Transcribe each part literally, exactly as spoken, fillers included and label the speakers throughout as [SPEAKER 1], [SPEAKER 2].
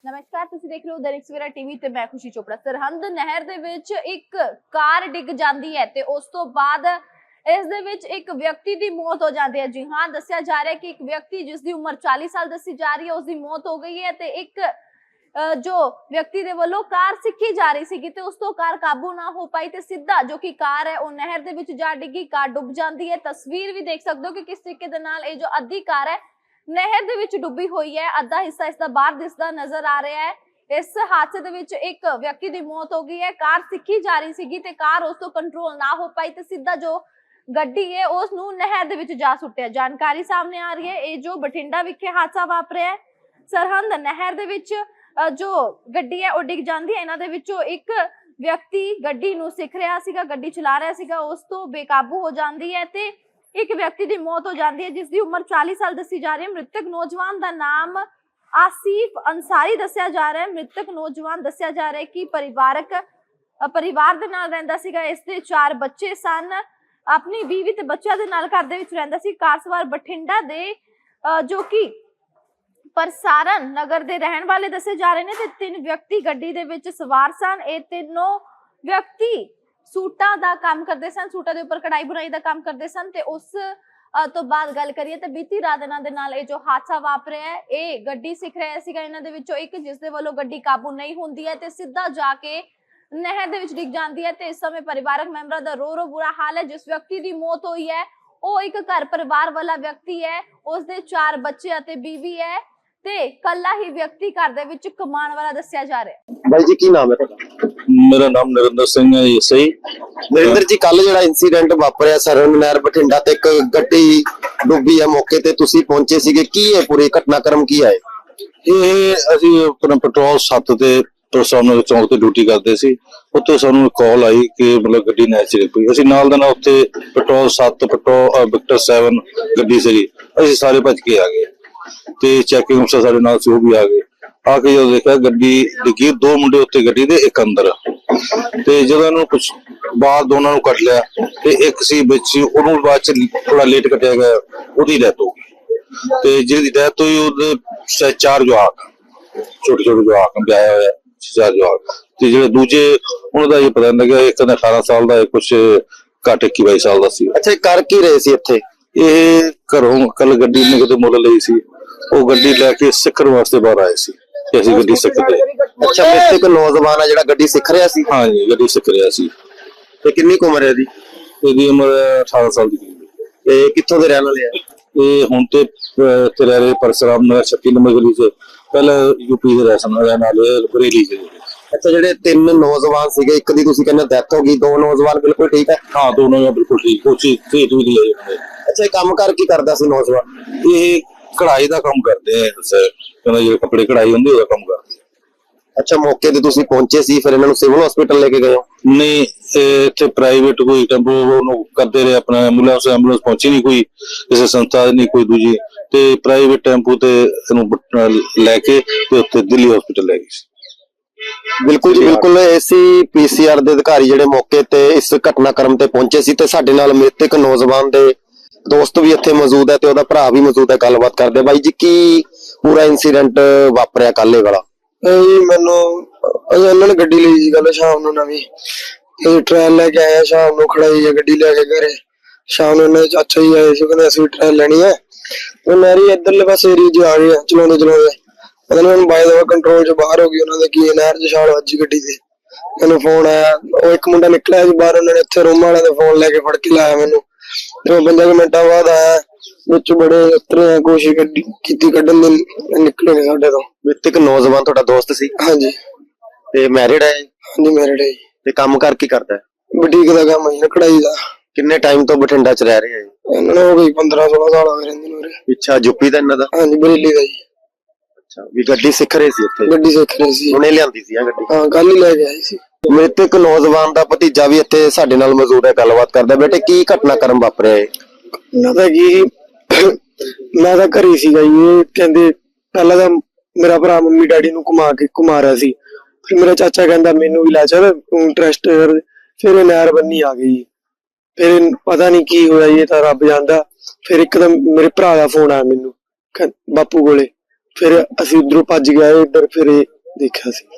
[SPEAKER 1] नमस्कार, तुसीं देख रहे हो दैनिक सवेरा टीवी ते मैं खुशी चोपड़ा। सरहंद नहर दे विच एक कार डिग जाती है ते उस तो बाद इस दे विच एक व्यक्ति की मौत हो जाती है। जी हाँ, दस्सिया जा रहा है कि एक व्यक्ति जिसकी उम्र चालीस साल दसी जा रही है उसकी मौत हो गई है ते एक जो व्यक्ति दे वालों कार सिक्खी जा रही सी ते उस तो कार काबू ना हो पाई ते सीधा जो कि कार है वो नहर दे विच जा डिगी, कार डुब जाती है। तस्वीर भी देख सकते हो कि किस तरीके दे नाल ये जो अद्धी कार है नहर दे विच डुबी हुई है, अद्धा हिस्सा इसका बाहर दिसदा नजर आ रहा है। इस हादसे दे विच एक व्यक्ति की मौत हो गई है। कार सिक्खी जा रही सी ते कार उस तो कंट्रोल ना हो पाई ते सीधा जो गड्डी है उस नूं नहर दे विच जा सुट्टिया। जानकारी सामने आ रही है, ये जो बठिंडा विखे हादसा वापरिया है। सरहंद नहर दे विच जो गड्डी है वो डिग जाती है। इन्हां दे विचों एक व्यक्ति गड्डी नूं सिख रहा सीगा, गड्डी चला रहा सीगा, उस तो बेकाबू हो जाती है ते एक व्यक्ति की मौत हो जाती है जिसकी उम्र चालीस साल दसी जा रही है। मृतक नौजवान का नाम आसिफ अंसारी दस्या जा रहा है। मृतक नौजवान दस्या जा रहा है कि परिवारक परिवार दे नाल रहिंदा सीगा, इसदे चार बच्चे सन, अपनी बीवी ते बच्चों दे नाल घर दे विच रहिंदा सी। कार सवार बठिंडा दे जो कि परसारण नगर दे रहन वाले दसे जा रहे ने ते तीन व्यक्ति गड्डी दे विच सवार सन। ये तीनों व्यक्ति सूटा दा काम करते सन, सूटा दे उपर कढ़ाई बुनाई दा काम करते सन ते उस तो बाद गल करिए ते बीती रात इन्हां दे नाल जो हादसा वापरिया है, ये गड्डी सिख रहा सीगा इन्हां दे विचों एक, जिस दे वल्लों गड्डी काबू नहीं हुंदी है ते सीधा जाके नहर दे विच डिग जाती है। ते इस समय परिवारक मैंबरां दा रो रो बुरा हाल है। जिस व्यक्ति की मौत हुई है वो एक घर परिवार वाला व्यक्ति है, उसदे चार बच्चे अते बीवी है ते कल्ला ही व्यक्ति घर दे विच कमाण वाला दस्सिया जा रहा है।
[SPEAKER 2] भाई जी की नाम है तुहाडा?
[SPEAKER 3] मेरा नाम नरिंदर सिंह है। ये सही
[SPEAKER 2] नरिंदर जी, कल ਜਿਹੜਾ इंसीडेंट ਵਾਪਰਿਆ सरहंद नहर बठिंडा ਤੇ ਇੱਕ ਗੱਡੀ ਡੁੱਬੀ ਹੈ, ਮੌਕੇ ਤੇ ਤੁਸੀਂ ਪਹੁੰਚੇ ਸੀਗੇ, ਕੀ ਹੈ ਪੂਰੀ ਘਟਨਾਕ੍ਰਮ ਕੀ ਹੈ?
[SPEAKER 3] ਇਹ ਅਸੀਂ ਆਪਣਾ ਪੈਟਰੋਲ ਸੱਤ ਤੇ ਪਰਸੋਨਲ ਚੌਂਕ ਤੇ ਡਿਊਟੀ ਕਰਦੇ ਸੀ। ਉੱਥੇ ਸਾਨੂੰ ਕਾਲ ਆਈ ਕਿ ਮਤਲਬ ਗੱਡੀ ਨੈਚੁਰਲ ਪਈ। ਅਸੀਂ ਨਾਲ ਦਾ ਨਾਲ ਉੱਥੇ ਪੈਟਰੋਲ ਸੱਤ ਪੈਟਰੋਲ ਵਿਕਟਰ ਸੈਵਨ ਗੱਡੀ ਸੀਗੀ, ਅਸੀਂ ਸਾਰੇ ਭੱਜ ਕੇ ਆ ਗਏ ਤੇ ਚੈਕਿੰਗ ਅਫਸਰ ਸਾਡੇ ਨਾਲ ਸੀ, ਉਹ ਵੀ ਆ ਗਏ। ਆ ਕੇ ਜਦੋਂ ਦੇਖਿਆ ਗੱਡੀ ਡਿੱਗੀ, ਦੋ ਮੁੰਡੇ ਉੱਤੇ ਗੱਡੀ ਦੇ, ਇੱਕ ਅੰਦਰ। ਤੇ ਜਦੋਂ ਇਹਨੂੰ ਕੁਛ ਬਾਹਰ ਦੋਨਾਂ ਨੂੰ ਕੱਢ ਲਿਆ ਤੇ ਇੱਕ ਸੀ ਵਿੱਚ, ਉਹਨੂੰ ਬਾਅਦ ਚ ਥੋੜਾ ਲੇਟ ਕੱਟਿਆ ਗਿਆ, ਉਹਦੀ ਡੈਥ ਹੋ ਗਈ। ਤੇ ਜਿਹਦੀ ਡੈਥ ਹੋਈ ਉਹਦੇ ਚਾਰ ਜਵਾਕ, ਛੋਟੇ ਛੋਟੇ ਜਵਾਕ ਵਿਆਹਿਆ ਹੋਇਆ, ਚਾਰ ਜਵਾਕ। ਤੇ ਜਿਹੜੇ ਦੂਜੇ ਉਹਨਾਂ ਦਾ ਇਹ ਪਤਾ ਨਹੀਂ ਲੱਗਿਆ, ਇੱਕ ਦਾ ਅਠਾਰਾਂ ਸਾਲ ਦਾ, ਕੁਛ ਘੱਟ ਇੱਕੀ ਬਾਈ ਸਾਲ ਦਾ ਸੀ।
[SPEAKER 2] ਅੱਛਾ, ਕਰ ਕੀ ਰਹੇ ਸੀ ਇੱਥੇ?
[SPEAKER 3] ਇਹ ਘਰੋਂ ਕੱਲ ਗੱਡੀ ਨੇ ਕਿਤੇ ਮੁੱਲ ਲਈ ਸੀ, ਉਹ ਗੱਡੀ ਲੈ ਕੇ ਸਿੱਖਣ ਵਾਸਤੇ ਬਾਹਰ ਆਏ ਸੀ। ਅਸੀਂ ਗੱਡੀ ਸਿੱਖਦੇ।
[SPEAKER 2] ਅੱਛਾ, ਮ੍ਰਿਤਕ ਨੌਜਵਾਨ ਆ ਜਿਹੜਾ ਗੱਡੀ ਸਿੱਖ ਰਿਹਾ ਸੀ?
[SPEAKER 3] ਹਾਂ ਜੀ, ਗੱਡੀ ਸਿੱਖ ਰਿਹਾ ਸੀ।
[SPEAKER 2] ਤੇ ਕਿੰਨੀ ਕੁ ਉਮਰ ਹੈ ਇਹਦੀ?
[SPEAKER 3] ਇਹਦੀ ਉਮਰ ਅਠਾਰਾਂ ਸਾਲ ਦੀ।
[SPEAKER 2] ਤੇ ਕਿੱਥੋਂ ਦੇ ਰਹਿਣ ਵਾਲੇ ਆ?
[SPEAKER 3] ਇਹ ਹੁਣ ਤੇ ਇੱਥੇ ਰਹਿ ਰਹੇ ਪਰਸਰਾਮ ਨਗਰ ਛੱਤੀ ਨੰਬਰ ਗਲੀ ਚ, ਪਹਿਲਾਂ ਯੂਪੀ ਦੇ ਰਹਿਣ ਵਾਲੇ ਬਰੇਲੀ ਚ।
[SPEAKER 2] ਅੱਛਾ, ਜਿਹੜੇ ਤਿੰਨ ਨੌਜਵਾਨ ਸੀਗੇ, ਇੱਕ ਦੀ ਤੁਸੀਂ ਕਹਿੰਦੇ ਡੈਥ ਹੋ ਗਈ, ਦੋ ਨੌਜਵਾਨ ਬਿਲਕੁਲ ਠੀਕ ਹੈ?
[SPEAKER 3] ਹਾਂ, ਦੋਨੋਂ ਬਿਲਕੁਲ ਠੀਕ, ਕੋਚੀ ਖੇਤ ਵੀ ਲਈ।
[SPEAKER 2] ਅੱਛਾ, ਇਹ ਕੰਮ ਕਰ ਕੀ ਕਰਦਾ ਸੀ ਨੌਜਵਾਨ?
[SPEAKER 3] ਇਹ ਕਢਾਈ ਦਾ ਕੰਮ ਕਰਦੇ ਆ ਸਰ, ਕਹਿੰਦਾ ਜਿਹੜੇ ਕੱਪੜੇ ਕਢਾਈ ਹੁੰਦੀ ਉਹਦਾ ਕੰਮ ਕਰਦੇ।
[SPEAKER 2] ਅੱਛਾ, ਮੌਕੇ ਤੇ ਤੁਸੀਂ ਪਹੁੰਚੇ ਸੀ, ਫਿਰ ਇਹਨਾਂ ਨੂੰ ਸਿਵਲ ਹਸਪੀਟਲ ਲੈ ਕੇ ਗਏ ਹੋ?
[SPEAKER 3] ਨਹੀਂ, ਇੱਥੇ ਪ੍ਰਾਈਵੇਟ ਕੋਈ ਟੈਂਪੂ ਉਹਨੂੰ ਕਰਦੇ ਰਹੇ, ਆਪਣਾ ਐਂਬੂਲੈਂਸ ਐਂਬੂਲੈਂਸ ਪਹੁੰਚੀ ਨਹੀਂ, ਕੋਈ ਕਿਸੇ ਸੰਸਥਾ ਨਹੀਂ, ਕੋਈ ਦੂਜੀ, ਤੇ ਪ੍ਰਾਈਵੇਟ ਟੈਂਪੂ ਤੇ ਇਹਨੂੰ ਲੈ ਕੇ ਤੇ ਉੱਥੇ ਦਿੱਲੀ ਹਸਪੀਟਲ ਲੈ ਗਏ ਸੀ।
[SPEAKER 2] ਬਿਲਕੁਲ ਜੀ, ਬਿਲਕੁਲ। ਏਸੀ ਪੀਸੀਆਰ ਦੇ ਅਧਿਕਾਰੀ ਜਿਹੜੇ ਮੌਕੇ ਤੇ ਇਸ ਘਟਨਾਕ੍ਰਮ ਤੇ ਪਹੁੰਚੇ ਸੀ ਤੇ ਸਾਡੇ ਨਾਲ ਮ੍ਰਿਤਕ ਨੌਜਵਾਨ ਦੇ ਦੋਸਤ ਵੀ ਇੱਥੇ ਮੌਜੂਦ ਹੈ ਤੇ ਉਹਦਾ ਭਰਾ ਵੀ ਮੌਜੂਦ ਹੈ, ਗੱਲਬਾਤ ਕਰਦੇ। ਬਾਈ ਜੀ, ਕੀ ਪੂਰਾ ਇਨਸੀਡੈਂਟ ਵਾਪਰਿਆ ਕੱਲ ਇਹ ਵਾਲਾ?
[SPEAKER 4] ਜੀ ਮੈਨੂੰ ਉਹਨਾਂ ਨੇ ਗੱਡੀ ਲਈ ਸੀ ਕੱਲ ਸ਼ਾਮ ਨੂੰ ਨਵੀਂ, ਅਸੀਂ ਟ੍ਰੇਨ ਲੈ ਕੇ ਆਏ, ਸ਼ਾਮ ਨੂੰ ਖੜਾਈ ਹੈ ਗੱਡੀ ਲੈ ਕੇ ਘਰੇ। ਸ਼ਾਮ ਨੂੰ ਇਹਨਾਂ ਦੇ ਚਾਚਾ ਜੀ ਆਏ ਸੀ, ਕਹਿੰਦੇ ਅਸੀਂ ਟ੍ਰੇਨ ਲੈਣੀ ਹੈ। ਉਹ ਨਹਿਰੀ ਇੱਧਰਲੇ ਪਾਸੇ ਏਰੀਏ ਚ ਆ ਗਏ ਚਲਾਉਂਦੇ ਚਲਾਉਂਦੇ, ਪਤਾ ਨੀ ਮੈਨੂੰ ਬਾਈ ਦਾ ਕੰਟਰੋਲ ਚ ਬਾਹਰ ਹੋ ਗਈ, ਉਹਨਾਂ ਦੇ ਕੀ ਨਹਿਰ ਚ ਛਾਲ ਵੱਜੀ ਗੱਡੀ ਤੇ। ਮੈਨੂੰ ਫੋਨ ਆਇਆ, ਉਹ ਇੱਕ ਮੁੰਡਾ ਨਿਕਲਿਆ ਸੀ ਬਾਹਰ, ਉਹਨਾਂ ਨੇ ਇੱਥੇ ਰੂਮ ਵਾਲਿਆਂ ਦੇ ਫੋਨ ਲੈ ਕੇ ਫੜ ਕੇ ਲਾਇਆ ਮੈਨੂੰ। ਤੇ ਉਹ ਪੰਜਾਂ ਕੁ ਮਿੰਟਾਂ ਬਾਅਦ ਆਇਆ, ਵਿੱਚ ਬੜੇ ਉਤਰੇ ਕੋਸ਼ਿਸ਼ ਕੀਤੀ ਕੱਢਣ ਦੀ, ਨਿਕਲੇ ਨੇ ਸਾਡੇ ਤੋਂ।
[SPEAKER 2] ਮ੍ਰਿਤਕ ਨੌਜਵਾਨ ਤੁਹਾਡਾ ਦੋਸਤ ਸੀ?
[SPEAKER 4] ਹਾਂਜੀ।
[SPEAKER 2] ਤੇ ਮੈਰਿਡ ਹੈ?
[SPEAKER 4] ਹਾਂਜੀ, ਮੈਰਿਡ ਹੈ।
[SPEAKER 2] ਤੇ ਕੰਮ ਕਰ ਕੀ ਕਰਦਾ ਹੈ?
[SPEAKER 4] ਬੁਟੀਕ ਦਾ ਕੰਮ ਹੈ, ਕਢਾਈ ਦਾ।
[SPEAKER 2] ਕਿੰਨੇ ਟਾਈਮ ਤੋਂ ਬਠਿੰਡਾ ਚ ਰਹਿ ਰਹੇ ਹੈ?
[SPEAKER 4] ਇਹਨਾਂ ਨੂੰ ਹੋ ਗਈ ਪੰਦਰਾਂ ਸੋਲਾਂ ਸਾਲ ਹੋ ਗਏ ਰਹਿੰਦੇ ਨੂੰ।
[SPEAKER 2] ਪਿੱਛਾ ਯੂਪੀ ਦਾ ਇਹਨਾਂ ਦਾ?
[SPEAKER 4] ਹਾਂਜੀ, ਬਰੇਲੀ ਦਾ ਜੀ।
[SPEAKER 2] ਅੱਛਾ, ਵੀ ਗੱਡੀ ਸਿੱਖ ਰਹੇ ਸੀ ਇੱਥੇ?
[SPEAKER 4] ਗੱਡੀ ਸਿੱਖ ਰਹੇ ਸੀ,
[SPEAKER 2] ਉਹਨੇ ਲਿਆਂਦੀ ਸੀ ਆ ਗੱਡੀ?
[SPEAKER 4] ਹਾਂ, ਕੱਲ ਹੀ ਲੈ ਕੇ ਆਏ ਸੀ।
[SPEAKER 2] ਮ੍ਰਿਤਕ ਨੌਜਵਾਨ ਦਾ ਭਤੀਜਾ ਵੀ ਇੱਥੇ ਸਾਡੇ ਨਾਲ ਮੌਜੂਦ ਹੈ, ਗੱਲਬਾਤ ਕਰਦਾ। ਬੇਟੇ, ਕੀ ਘਟਨਾਕ੍ਰਮ ਵਾਪਰਿਆ ਹੈ?
[SPEAKER 4] ਨਾ ਤਾਂ ਕੀ, ਮੈਂ ਤਾਂ ਘਰੇ ਸੀਗਾ ਜੀ। ਇਹ ਕਹਿੰਦੇ ਪਹਿਲਾਂ ਤਾਂ ਮੇਰਾ ਭਰਾ ਮੰਮੀ ਡੈਡੀ ਨੂੰ ਘੁਮਾ ਕੇ ਘੁਮਾ ਰਿਹਾ ਸੀ, ਫਿਰ ਮੇਰਾ ਚਾਚਾ ਕਹਿੰਦਾ ਮੈਨੂੰ ਵੀ ਲੈ ਚੱਲ, ਤੂੰ ਇੰਟਰਸਟ। ਫਿਰ ਇਹ ਨਹਿਰ ਬੰਨੀ ਆ ਗਈ, ਫਿਰ ਪਤਾ ਨਹੀਂ ਕੀ ਹੋਇਆ, ਇਹ ਤਾਂ ਰੱਬ ਜਾਣਦਾ। ਫਿਰ ਇੱਕਦਮ ਮੇਰੇ ਭਰਾ ਦਾ ਫੋਨ ਆਇਆ ਮੈਨੂੰ ਬਾਪੂ ਕੋਲੇ, ਫਿਰ ਅਸੀਂ ਉਧਰੋਂ ਭੱਜ ਗਏ ਇੱਧਰ, ਫਿਰ ਦੇਖਿਆ ਸੀ।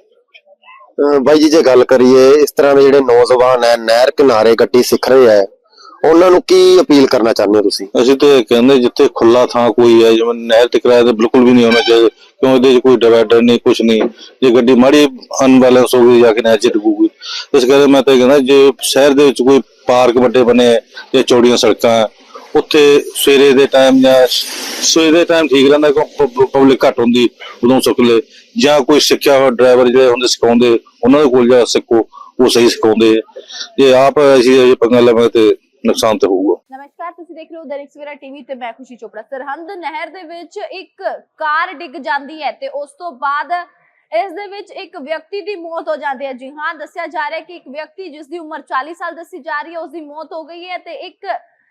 [SPEAKER 2] ਅਹ ਬਾਈ ਜੀ ਜੇ ਗੱਲ ਕਰੀਏ ਇਸ ਤਰ੍ਹਾਂ ਦੇ ਜਿਹੜੇ ਨੌਜਵਾਨ ਹੈ ਨਹਿਰ ਕਿਨਾਰੇ ਗੱਡੀ ਸਿੱਖ ਰਹੇ ਹੈ ਉਹਨਾਂ ਨੂੰ ਕੀ ਅਪੀਲ ਕਰਨਾ ਚਾਹੁੰਦੇ ਹੋ ਤੁਸੀਂ?
[SPEAKER 3] ਅਸੀਂ ਤੇ ਇਹ ਕਹਿੰਦੇ ਜਿੱਥੇ ਖੁੱਲਾ ਥਾਂ ਕੋਈ ਹੈ ਜਿਵੇਂ ਨਹਿਰ ਤੇ ਕਿਰਾਇਆ ਤੇ ਬਿਲਕੁਲ ਵੀ ਨਹੀਂ ਹੋਣਾ ਚਾਹੀਦਾ, ਕਿਉਂ ਇਹਦੇ 'ਚ ਕੋਈ ਡਿਵਾਈਡਰ ਨਹੀਂ ਕੁਛ ਨਹੀਂ। ਜੇ ਗੱਡੀ ਮਾੜੀ ਅਨਬੈਲੈਂਸ ਹੋ ਗਈ ਜਾ ਕੇ ਨਹਿਰ 'ਚ ਡੁੱਬੂਗੀ। ਇਸ ਕਰਕੇ ਮੈਂ ਤਾਂ ਇਹ ਕਹਿੰਦਾ ਜੇ ਸ਼ਹਿਰ ਦੇ ਵਿੱਚ ਕੋਈ ਪਾਰਕ ਵੱਡੇ ਬਣੇ ਜਾਂ ਚੌੜੀਆਂ ਸੜਕਾਂ ਹੈ, ਉੱਥੇ ਸਵੇਰੇ ਦੇ ਟਾਈਮ ਜਾਂ ਸਵੇਰੇ ਦੇ ਟਾਈਮ ਠੀਕ ਰਹਿੰਦਾ ਕਿਉਂ ਪਬਲਿਕ ਘੱਟ ਹੁੰਦੀ ਉਦੋਂ ਸੁੱਕਲੇ, ਜਾਂ ਕੋਈ ਸਿੱਖਿਆ ਹੋਇਆ ਡਰਾਈਵਰ ਜਿਹੜੇ ਹੁੰਦੇ ਸਿਖਾਉਂਦੇ ਉਹਨਾਂ ਦੇ ਕੋਲ ਜਾ ਸਿੱਖੋ, ਉਹ ਸਹੀ ਸਿਖਾਉਂਦੇ। ਜੇ ਆਪ ਅਸੀਂ ਪੰਗਾ ਲਵਾਂਗੇ ਤੇ ਨੁਕਸਾਨ ਤੇ ਹੋਊਗਾ।
[SPEAKER 1] ਨਮਸਕਾਰ, ਤੁਸੀਂ ਦੇਖ ਰਹੇ ਹੋ ਦੈਨਿਕ ਸਵੇਰਾ ਟੀਵੀ ਤੇ ਮੈਂ ਖੁਸ਼ੀ ਚੋਪੜਾ। ਸਰਹੰਦ ਨਹਿਰ ਦੇ ਵਿੱਚ ਇੱਕ ਕਾਰ ਡਿੱਗ ਜਾਂਦੀ ਹੈ ਤੇ ਉਸ ਤੋਂ ਬਾਅਦ ਇਸ ਦੇ ਵਿੱਚ ਇੱਕ ਵਿਅਕਤੀ ਦੀ ਮੌਤ ਹੋ ਜਾਂਦੀ ਹੈ। ਜੀ ਹਾਂ, ਦੱਸਿਆ ਜਾ ਰਿਹਾ ਹੈ ਕਿ ਇੱਕ ਵਿਅਕਤੀ ਜਿਸ ਦੀ ਉਮਰ ਚਾਲੀ ਸਾਲ ਦੱਸੀ ਜਾ ਰਹੀ ਹੈ ਉਸ ਦੀ ਮੌਤ ਹੋ ਗਈ ਹੈ ਤੇ ਇੱਕ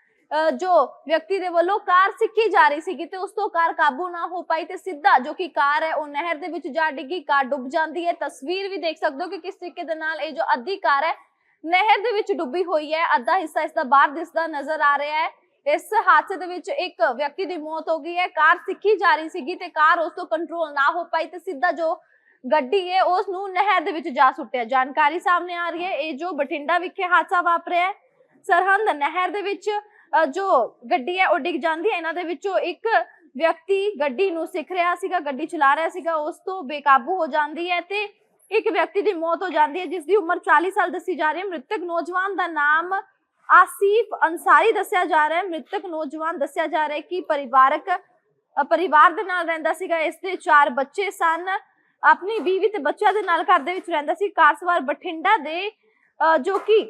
[SPEAKER 1] ਜੋ ਵਿਅਕਤੀ ਦੇ ਵੱਲੋਂ ਕਾਰ ਸਿੱਖੀ ਜਾ ਰਹੀ ਸੀਗੀ ਤੇ ਉਸ ਤੋਂ ਕਾਰ ਕਾਬੂ ਨਾ ਹੋ ਪਾਈ ਤੇ ਸਿੱਧਾ ਜੋ ਕਿ ਕਾਰ ਹੈ ਉਹ ਨਹਿਰ ਦੇ ਵਿੱਚ ਜਾ ਡਿੱਗੀ, ਕਾਰ ਡੁੱਬ ਜਾਂਦੀ ਹੈ। ਤਸਵੀਰ ਵੀ ਦੇਖ ਸਕਦੇ ਹੋ ਕਿ ਕਿਸ ਤਰੀਕੇ ਦੇ ਨਾਲ ਇਹ ਜੋ ਅੱਧੀ ਕਾਰ ਹੈ ਨਹਿਰ ਦੇ ਵਿੱਚ ਡੁੱਬੀ ਹੋਈ ਹੈ, ਅੱਧਾ ਹਿੱਸਾ ਇਸ ਦਾ ਬਾਹਰ ਦਿਸਦਾ ਨਜ਼ਰ ਆ ਰਿਹਾ ਹੈ। ਇਸ ਹਾਦਸੇ ਦੇ ਵਿੱਚ ਇੱਕ ਵਿਅਕਤੀ ਦੀ ਮੌਤ ਹੋ ਗਈ ਹੈ। ਕਾਰ ਸਿੱਖੀ ਜਾ ਰਹੀ ਸੀਗੀ ਤੇ ਕਾਰ ਉਸ ਤੋਂ ਕੰਟਰੋਲ ਨਾ ਹੋ ਪਾਈ ਤੇ ਸਿੱਧਾ ਜੋ ਗੱਡੀ ਹੈ ਉਸ ਨੂੰ ਨਹਿਰ ਦੇ ਵਿੱਚ ਜਾ ਸੁੱਟਿਆ। ਜਾਣਕਾਰੀ ਸਾਹਮਣੇ ਆ ਰਹੀ ਹੈ ਇਹ ਜੋ ਬਠਿੰਡਾ ਵਿਖੇ ਹਾਦਸਾ ਵਾਪਰਿਆ ਹੈ। ਸਰਹੰਦ ਨਹਿਰ ਦੇ ਵਿੱਚ ਜੋ ਗੱਡੀ ਹੈ ਉਹ ਡਿੱਗ ਜਾਂਦੀ ਹੈ। ਇਹਨਾਂ ਦੇ ਵਿੱਚੋਂ ਇੱਕ ਵਿਅਕਤੀ ਗੱਡੀ ਨੂੰ ਸਿੱਖ ਰਿਹਾ ਸੀਗਾ, ਗੱਡੀ ਚਲਾ ਰਿਹਾ ਸੀਗਾ, ਉਸ ਤੋਂ ਬੇਕਾਬੂ ਹੋ ਜਾਂਦੀ ਹੈ ਤੇ ਇੱਕ ਵਿਅਕਤੀ ਦੀ ਮੌਤ ਹੋ ਜਾਂਦੀ ਹੈ ਜਿਸ ਦੀ ਉਮਰ ਚਾਲੀ ਸਾਲ ਦੱਸੀ ਜਾ ਰਹੀ ਹੈ। ਮ੍ਰਿਤਕ ਨੌਜਵਾਨ ਦਾ ਨਾਮ ਆਸਿਫ ਅੰਸਾਰੀ ਦੱਸਿਆ ਜਾ ਰਿਹਾ ਹੈ। ਮ੍ਰਿਤਕ ਨੌਜਵਾਨ ਦੱਸਿਆ ਜਾ ਰਿਹਾ ਹੈ ਕਿ ਪਰਿਵਾਰਕ ਪਰਿਵਾਰ ਦੇ ਨਾਲ ਰਹਿੰਦਾ ਸੀਗਾ। ਇਸ ਦੇ ਚਾਰ ਬੱਚੇ ਸਨ, ਆਪਣੀ ਬੀਵੀ ਤੇ ਬੱਚਿਆਂ ਦੇ ਨਾਲ ਘਰ ਦੇ ਵਿੱਚ ਰਹਿੰਦਾ ਸੀ। ਕਾਰ ਸਵਾਰ ਬਠਿੰਡਾ ਦੇ ਜੋ ਕਿ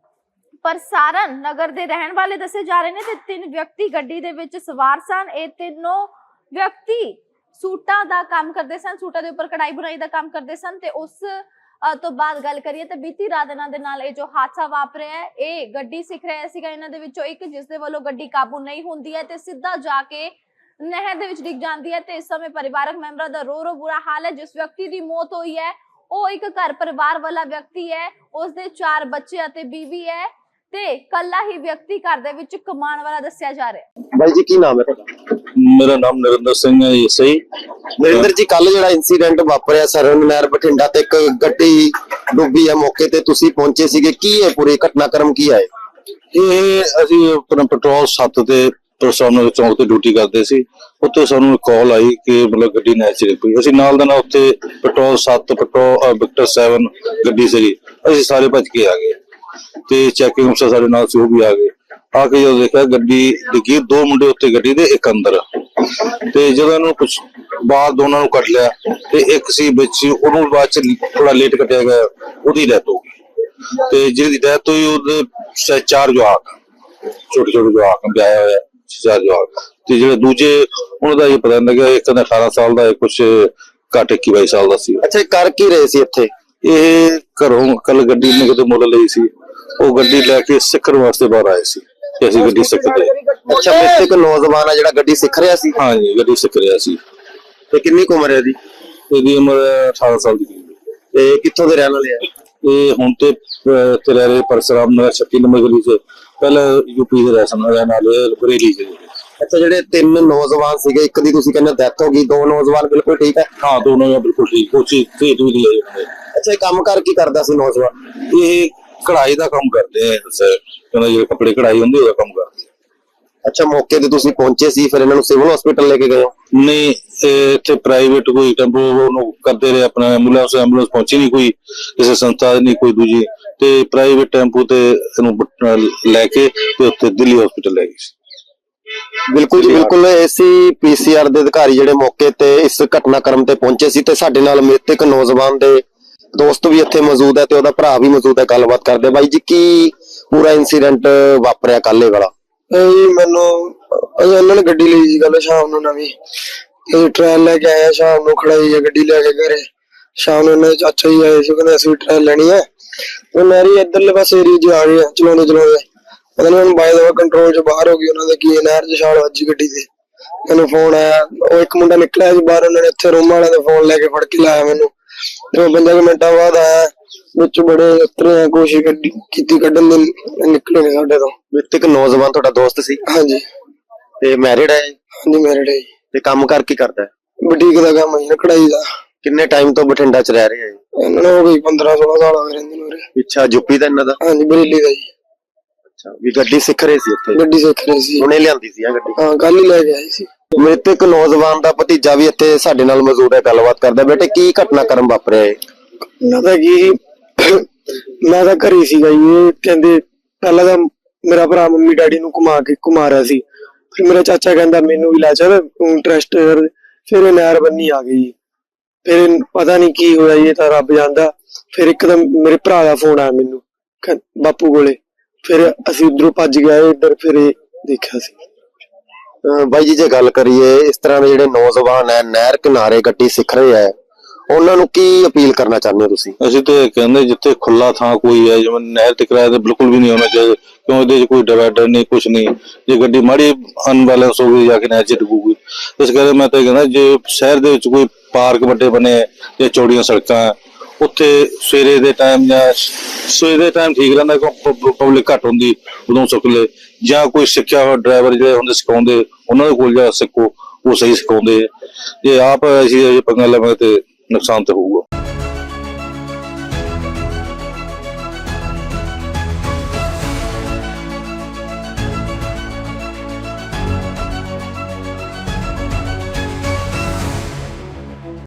[SPEAKER 1] ਪ੍ਰਸਾਰਨ ਨਗਰ ਦੇ ਰਹਿਣ ਵਾਲੇ ਦੱਸੇ ਜਾ ਰਹੇ ਨੇ ਤੇ ਤਿੰਨ ਵਿਅਕਤੀ ਗੱਡੀ ਦੇ ਵਿੱਚ ਸਵਾਰ ਸਨ। ਇਹ ਤਿੰਨੋਂ ਵਿਅਕਤੀ ਸੂਟਾਂ ਦਾ ਕੰਮ ਕਰਦੇ ਸਨ, ਸੂਟਾਂ ਦੇ ਉੱਪਰ ਕਢਾਈ ਬੁਣਾਈ ਦਾ ਕੰਮ ਕਰਦੇ ਸਨ ਤੇ ਉਸ ਤੋਂ ਬਾਅਦ ਗੱਲ ਕਰੀਏ ਤਾਂ ਬੀਤੀ ਰਾਤ ਇਹਨਾਂ ਦੇ ਨਾਲ ਇਹ ਜੋ ਹਾਦਸਾ ਵਾਪਰਿਆ ਹੈ, ਇਹ ਗੱਡੀ ਸਿੱਖ ਰਿਹਾ ਸੀਗਾ ਇਹਨਾਂ ਦੇ ਵਿੱਚੋਂ ਇੱਕ, ਜਿਸ ਦੇ ਵੱਲੋਂ ਗੱਡੀ ਕਾਬੂ ਨਹੀਂ ਹੁੰਦੀ ਹੈ ਤੇ ਸਿੱਧਾ ਜਾ ਕੇ ਨਹਿਰ ਦੇ ਵਿੱਚ ਡਿੱਗ ਜਾਂਦੀ ਹੈ ਤੇ ਇਸ ਸਮੇਂ ਪਰਿਵਾਰਕ ਮੈਂਬਰਾਂ ਦਾ ਰੋ ਰੋ ਬੁਰਾ ਹਾਲ ਹੈ। ਜਿਸ ਵਿਅਕਤੀ ਦੀ ਮੌਤ ਹੋਈ ਹੈ ਉਹ ਇੱਕ ਘਰ ਪਰਿਵਾਰ ਵਾਲਾ ਵਿਅਕਤੀ ਹੈ, ਉਸਦੇ ਚਾਰ ਬੱਚੇ ਅਤੇ ਬੀਵੀ ਹੈ ਤੇ ਕੱਲਾ ਹੀ ਵਿਅਕਤੀ ਘਰ ਦੇ ਵਿੱਚ ਕਮਾਉਣ ਵਾਲਾ ਦੱਸਿਆ ਜਾ ਰਿਹਾ ਹੈ।
[SPEAKER 2] ਬਾਈ ਜੀ ਕੀ ਨਾਮ ਹੈ ਤੁਹਾਡਾ?
[SPEAKER 3] ਮੇਰਾ ਨਾਮ ਨਰਿੰਦਰ ਸਿੰਘ ਹੈ ਜੀ। ਸਹੀ
[SPEAKER 2] ਨਰਿੰਦਰ ਜੀ, ਕੱਲ ਜਿਹੜਾ ਇਨਸੀਡੈਂਟ ਵਾਪਰਿਆ ਸਰਹੰਦ ਨਹਿਰ ਬਠਿੰਡਾ ਤੇ ਇੱਕ ਗੱਡੀ ਡੁੱਬੀ ਹੈ, ਮੌਕੇ ਤੇ ਤੁਸੀਂ ਪਹੁੰਚੇ ਸੀਗੇ, ਕੀ ਹੈ ਪੂਰੀ ਘਟਨਾਕ੍ਰਮ ਕੀ ਹੈ?
[SPEAKER 3] ਇਹ ਅਸੀਂ ਆਪਣਾ ਪੈਟਰੋਲ ਸੱਤ ਤੇ ਪ੍ਰਸਾਰਨ ਚੌਂਕ ਤੇ ਡਿਊਟੀ ਕਰਦੇ ਸੀ। ਉੱਥੇ ਸਾਨੂੰ ਕਾਲ ਆਈ ਕਿ ਮਤਲਬ ਗੱਡੀ ਨਹਿਰ 'ਚ ਡਿੱਗ ਪਈ। ਅਸੀਂ ਨਾਲ ਦਾ ਨਾਲ ਉੱਥੇ ਪੈਟਰੋਲ ਸੱਤ ਪੈਟਰੋਲ ਵਿਕਟਰ ਸੈਵਨ ਗੱਡੀ ਸੀਗੀ, ਅਸੀਂ ਸਾਰੇ ਭੱਜ ਕੇ ਆ ਗਏ ਤੇ ਚੈਕਿੰਗ ਅਫਸਰ ਸਾਡੇ ਨਾਲ ਸੀ, ਉਹ ਵੀ ਆ ਗਏ। ਆ ਕੇ ਜਦੋਂ ਦੇਖਿਆ ਗੱਡੀ ਡਿੱਗੀ, ਦੋ ਮੁੰਡੇ ਉੱਤੇ ਗੱਡੀ ਦੇ, ਇੱਕ ਅੰਦਰ। ਤੇ ਜਦੋਂ ਇਹਨੂੰ ਕੁਛ ਬਾਹਰ ਦੋਨਾਂ ਨੂੰ ਕੱਢ ਲਿਆ ਤੇ ਇੱਕ ਸੀ ਵਿੱਚ, ਉਹਨੂੰ ਬਾਅਦ ਚ ਥੋੜਾ ਲੇਟ ਕੱਟਿਆ ਗਿਆ, ਉਹਦੀ ਡੈਥ ਹੋ ਗਈ। ਤੇ ਜਿਹਦੀ ਡੈਥ ਹੋਈ ਉਹਦੇ ਚਾਰ ਜਵਾਕ, ਛੋਟੇ ਛੋਟੇ ਜਵਾਕ ਵਿਆਹਿਆ ਹੋਇਆ, ਚਾਰ ਜਵਾਕ। ਤੇ ਜਿਹੜੇ ਦੂਜੇ ਉਹਨਾਂ ਦਾ ਇਹ ਪਤਾ ਨਹੀਂ ਲੱਗਿਆ, ਇੱਕ ਦਾ ਅਠਾਰਾਂ ਸਾਲ ਦਾ, ਕੁਛ ਘੱਟ ਇੱਕੀ ਬਾਈ ਸਾਲ ਦਾ ਸੀ।
[SPEAKER 2] ਅੱਛਾ, ਕਰ ਕੀ ਰਹੇ ਸੀ ਇੱਥੇ?
[SPEAKER 3] ਇਹ ਘਰੋਂ ਕੱਲ ਗੱਡੀ ਨੇ ਕਿਤੇ ਮੁੱਲ ਲਈ ਸੀ, ਉਹ ਗੱਡੀ ਲੈ ਕੇ ਸਿੱਖਣ ਵਾਸਤੇ ਬਾਹਰ ਆਏ ਸੀ ਤੇ ਅਸੀਂ ਗੱਡੀ ਸਿੱਖਦੇ।
[SPEAKER 2] ਅੱਛਾ, ਮ੍ਰਿਤਕ ਨੌਜਵਾਨ ਆ ਜਿਹੜਾ ਗੱਡੀ ਸਿੱਖ ਰਿਹਾ ਸੀ?
[SPEAKER 3] ਹਾਂਜੀ, ਗੱਡੀ ਸਿੱਖ ਰਿਹਾ ਸੀ।
[SPEAKER 2] ਤੇ ਕਿੰਨੀ ਕੁ ਉਮਰ ਹੈ ਇਹਦੀ?
[SPEAKER 3] ਇਹਦੀ ਉਮਰ ਅਠਾਰਾਂ ਸਾਲ ਦੀ।
[SPEAKER 2] ਤੇ ਕਿੱਥੋਂ ਦੇ ਰਹਿਣ ਵਾਲੇ ਆ?
[SPEAKER 3] ਇਹ ਹੁਣ ਤੇ ਇੱਥੇ ਰਹਿ ਰਹੇ ਪਰਸਰਾਮ ਨਗਰ ਛੱਤੀ ਨੰਬਰ ਗਲੀ 'ਚ, ਪਹਿਲਾਂ ਯੂਪੀ ਦੇ ਰਹਿਣ ਵਾਲੇ ਬਰੇਲੀ 'ਚ।
[SPEAKER 2] ਅੱਛਾ, ਜਿਹੜੇ ਤਿੰਨ ਨੌਜਵਾਨ ਸੀਗੇ, ਇੱਕ ਦੀ ਤੁਸੀਂ ਕਹਿੰਦੇ ਡੈਥ ਹੋ ਗਈ, ਦੋ ਨੌਜਵਾਨ ਬਿਲਕੁਲ ਠੀਕ ਹੈ?
[SPEAKER 3] ਹਾਂ, ਦੋਨੋਂ ਬਿਲਕੁਲ ਠੀਕ, ਕੋਚੀ ਤੇ ਵੀ ਲਈ।
[SPEAKER 2] ਅੱਛਾ, ਇਹ ਕੰਮ ਕਰ ਕੀ ਕਰਦਾ ਸੀ ਨੌਜਵਾਨ?
[SPEAKER 3] ਇਹ ਕਢਾਈ ਦਾ ਕੰਮ ਕਰਦੇ ਆ ਸਰ, ਕਹਿੰਦਾ ਜਿਹੜੇ ਕੱਪੜੇ ਕਢਾਈ ਹੁੰਦੀ ਉਹਦਾ ਕੰਮ ਕਰਦੇ।
[SPEAKER 2] ਅੱਛਾ, ਮੌਕੇ ਤੇ ਤੁਸੀਂ ਪਹੁੰਚੇ ਸੀ, ਫਿਰ ਇਹਨਾਂ ਨੂੰ ਸਿਵਲ ਹਸਪੀਟਲ ਲੈ ਕੇ ਗਏ ਹੋ?
[SPEAKER 3] ਨਹੀਂ, ਇੱਥੇ ਪ੍ਰਾਈਵੇਟ ਕੋਈ ਟੈਂਪੂ ਉਹਨੂੰ ਕਰਦੇ ਰਹੇ, ਆਪਣਾ ਐਂਬੂਲੈਂਸ ਐਂਬੂਲੈਂਸ ਪਹੁੰਚੀ ਨਹੀਂ ਕੋਈ, ਕਿਸੇ ਸੰਸਥਾ ਨਹੀਂ ਕੋਈ ਦੂਜੀ, ਤੇ ਪ੍ਰਾਈਵੇਟ ਟੈਂਪੂ ਤੇ ਇਹਨੂੰ ਲੈ ਕੇ ਤੇ ਉੱਥੇ ਦਿੱਲੀ ਹਸਪੀਟਲ ਲੈ ਗਏ ਸੀ।
[SPEAKER 2] ਬਿਲਕੁਲ ਜੀ, ਬਿਲਕੁਲ। ਏਸੀ ਪੀਸੀਆਰ ਦੇ ਅਧਿਕਾਰੀ ਜਿਹੜੇ ਮੌਕੇ ਤੇ ਇਸ ਘਟਨਾਕ੍ਰਮ ਤੇ ਪਹੁੰਚੇ ਸੀ ਤੇ ਸਾਡੇ ਨਾਲ ਮ੍ਰਿਤਕ ਨੌਜਵਾਨ ਦੇ ਦੋਸਤ ਵੀ ਇੱਥੇ ਮੌਜੂਦ ਹੈ ਤੇ ਉਹਦਾ ਭਰਾ ਵੀ ਮੌਜੂਦ ਹੈ, ਗੱਲਬਾਤ ਕਰਦੇ। ਬਾਈ ਜੀ, ਕੀ ਪੂਰਾ ਇਨਸੀਡੈਂਟ ਵਾਪਰਿਆ ਕੱਲ ਇਹ ਵਾਲਾ?
[SPEAKER 4] ਇਹ ਮੈਨੂੰ ਉਹਨਾਂ ਨੇ ਗੱਡੀ ਲਈ ਸੀ ਕੱਲ ਸ਼ਾਮ ਨੂੰ ਨਵੀਂ, ਤੇ ਟ੍ਰੇਨ ਲੈ ਕੇ ਆਇਆ, ਸ਼ਾਮ ਨੂੰ ਖੜਾਈ ਹੈ ਗੱਡੀ ਲੈ ਕੇ ਘਰੇ। ਸ਼ਾਮ ਨੂੰ ਇਹਨਾਂ ਦੇ ਚਾਚਾ ਜੀ ਆਏ ਸੀ, ਕਹਿੰਦੇ ਅਸੀਂ ਟ੍ਰੇਨ ਲੈਣੀ ਹੈ। ਉਹ ਨਹਿਰੀ ਇੱਧਰਲੇ ਪਾਸੇ ਏਰੀਏ 'ਚ ਆ ਗਏ ਚਲਾਉਂਦੇ ਚਲਾਉਂਦੇ, ਪਤਾ ਨੀ ਹੁਣ ਬਾਈ ਦਾ ਕੰਟਰੋਲ 'ਚ ਬਾਹਰ ਹੋ ਗਈ ਉਹਨਾਂ ਦੇ, ਕੀ ਨਹਿਰ 'ਚ ਛਾਲ ਵੱਜੀ ਗੱਡੀ ਤੇ। ਮੈਨੂੰ ਫੋਨ ਆਇਆ, ਉਹ ਇੱਕ ਮੁੰਡਾ ਨਿਕਲਿਆ ਸੀ ਬਾਹਰ, ਉਹਨਾਂ ਨੇ ਇੱਥੇ ਰੂਮ ਵਾਲਿਆਂ ਦੇ ਫੋਨ ਲੈ ਕੇ ਫੜ ਕੇ ਲਾਇਆ ਮੈਨੂੰ। ਤੇ ਪੰਜਾਂ ਕੁ ਮਿੰਟਾਂ ਬਾਅਦ ਆਇਆ, ਵਿੱਚ ਬੜੇ ਉਤਰੇ ਕੋਸ਼ਿਸ਼ ਕੀਤੀ ਕੱਢਣ ਦੀ, ਨਿਕਲੇ ਨੇ ਸਾਡੇ ਤੋਂ।
[SPEAKER 2] ਮ੍ਰਿਤਕ ਨੌਜਵਾਨ ਤੁਹਾਡਾ ਦੋਸਤ ਸੀ?
[SPEAKER 4] ਹਾਂਜੀ।
[SPEAKER 2] ਤੇ ਮੈਰਿਡ ਹੈ?
[SPEAKER 4] ਹਾਂਜੀ, ਮੈਰਿਡ ਹੈ।
[SPEAKER 2] ਤੇ ਕੰਮ ਕਰ ਕੀ ਕਰਦਾ?
[SPEAKER 4] ਬੁਟੀਕ ਦਾ ਕੰਮ ਹੈ, ਕਢਾਈ ਦਾ।
[SPEAKER 2] ਕਿੰਨੇ ਟਾਈਮ ਤੋਂ ਬਠਿੰਡਾ ਚ ਰਹਿ ਰਹੇ ਆ ਜੀ?
[SPEAKER 4] ਇਹਨਾਂ ਨੂੰ ਹੋ ਗਈ ਪੰਦਰਾਂ ਸੋਲਾਂ ਸਾਲ ਹੋ ਗਏ ਰਹਿੰਦੇ ਨੂੰ ਉਰੇ।
[SPEAKER 2] ਪਿੱਛਾ ਯੂਪੀ ਦਾ ਇਹਨਾਂ ਦਾ?
[SPEAKER 4] ਹਾਂਜੀ ਬਰੇਲੀ ਦਾ ਜੀ।
[SPEAKER 2] ਅੱਛਾ, ਵੀ ਗੱਡੀ ਸਿੱਖ ਰਹੇ ਸੀ ਇੱਥੇ?
[SPEAKER 4] ਗੱਡੀ ਸਿੱਖ ਰਹੇ ਸੀ।
[SPEAKER 2] ਹੁਣੇ ਲਿਆਂਦੀ ਸੀ ਆ ਗੱਡੀ?
[SPEAKER 4] ਹਾਂ ਕੱਲ ਹੀ ਲੈ ਕੇ ਆਏ ਸੀ।
[SPEAKER 2] ਮ੍ਰਿਤਕ ਨੌਜਵਾਨ ਦਾ ਭਤੀਜਾ ਵੀ ਇੱਥੇ ਸਾਡੇ ਨਾਲ ਮੌਜੂਦ ਹੈ, ਗੱਲਬਾਤ ਕਰਦਾ। ਬੇਟੇ ਕੀ ਘਟਨਾਕ੍ਰਮ ਵਾਪਰਿਆ ਹੈ?
[SPEAKER 4] ਮੈਂ ਤਾਂ ਕੀ ਮੈਂ ਤਾਂ ਘਰੇ ਸੀਗਾ ਜੀ। ਇਹ ਕਹਿੰਦੇ ਪਹਿਲਾਂ ਤਾਂ ਮੇਰਾ ਭਰਾ ਮੰਮੀ ਡੈਡੀ ਨੂੰ ਘੁਮਾ ਕੇ ਘੁਮਾ ਰਿਹਾ ਸੀ, ਫਿਰ ਮੇਰਾ ਚਾਚਾ ਕਹਿੰਦਾ ਮੈਨੂੰ ਵੀ ਲੈ ਚੱਲ ਤੂੰ ਇੰਟਰਸਟ। ਫਿਰ ਇਹ ਨਹਿਰ ਬੰਨੀ ਆ ਗਈ। ਫਿਰ ਪਤਾ ਨਹੀਂ ਕੀ ਹੋਇਆ ਜੀ, ਇਹ ਤਾਂ ਰੱਬ ਜਾਣਦਾ। ਫਿਰ ਇੱਕਦਮ ਮੇਰੇ ਭਰਾ ਦਾ ਫੋਨ ਆਇਆ ਮੈਨੂੰ ਕਹਿ- ਬਾਪੂ ਕੋਲੇ। ਫਿਰ ਅਸੀਂ ਉਧਰੋਂ ਭੱਜ ਗਏ ਇੱਧਰ, ਫਿਰ ਇਹ ਦੇਖਿਆ ਸੀ।
[SPEAKER 2] ਅਹ ਬਾਈ ਜੀ, ਜੇ ਗੱਲ ਕਰੀਏ ਇਸ ਤਰ੍ਹਾਂ ਦੇ ਜਿਹੜੇ ਨੌਜਵਾਨ ਹੈ ਨਹਿਰ ਕਿਨਾਰੇ ਗੱਡੀ ਸਿੱਖ ਰਹੇ ਹੈ, ਉਹਨਾਂ ਨੂੰ ਕੀ ਅਪੀਲ ਕਰਨਾ ਚਾਹੁੰਦੇ ਹੋ ਤੁਸੀਂ?
[SPEAKER 3] ਅਸੀਂ ਤੇ ਕਹਿੰਦੇ ਜਿੱਥੇ ਖੁੱਲਾ ਥਾਂ ਕੋਈ ਹੈ, ਜਿਵੇਂ ਨਹਿਰ ਤੇ ਕਿਰਾਇਆ ਤੇ ਬਿਲਕੁਲ ਵੀ ਨਹੀਂ ਹੋਣਾ ਚਾਹੀਦਾ, ਕਿਉਂ ਇਹਦੇ 'ਚ ਕੋਈ ਡਿਵਾਈਡਰ ਨਹੀਂ, ਕੁਛ ਨਹੀਂ। ਜੇ ਗੱਡੀ ਮਾੜੀ ਅਨਬੈਲੈਂਸ ਹੋ ਗਈ ਜਾ ਕੇ ਨਹਿਰ 'ਚ ਡੁੱਬੂਗੀ। ਇਸ ਕਰਕੇ ਮੈਂ ਤਾਂ ਇਹ ਕਹਿੰਦਾ ਜੇ ਸ਼ਹਿਰ ਦੇ ਵਿੱਚ ਕੋਈ ਪਾਰਕ ਵੱਡੇ ਬਣੇ ਜਾਂ ਚੌੜੀਆਂ ਸੜਕਾਂ ਹੈ, ਉੱਥੇ ਸਵੇਰੇ ਦੇ ਟਾਈਮ ਜਾਂ ਸਵੇਰੇ ਦੇ ਟਾਈਮ ਠੀਕ ਰਹਿੰਦਾ, ਕਿਉਂ ਪਬਲਿਕ ਘੱਟ ਹੁੰਦੀ, ਉਦੋਂ ਸੁੱਕ ਲੈ। ਜਾਂ ਕੋਈ ਸਿੱਖਿਆ ਹੋਇਆ ਡਰਾਈਵਰ ਜਿਹੜੇ ਹੁੰਦੇ ਸਿਖਾਉਂਦੇ, ਉਹਨਾਂ ਦੇ ਕੋਲ ਜਾ ਸਿੱਖੋ, ਉਹ ਸਹੀ ਸਿਖਾਉਂਦੇ। ਜੇ ਆਪ ਅਸੀਂ ਪੰਗਾ ਲਵਾਂਗੇ ਤੇ ਨੁਕਸਾਨ ਤਾਂ ਹੋਊਗਾ।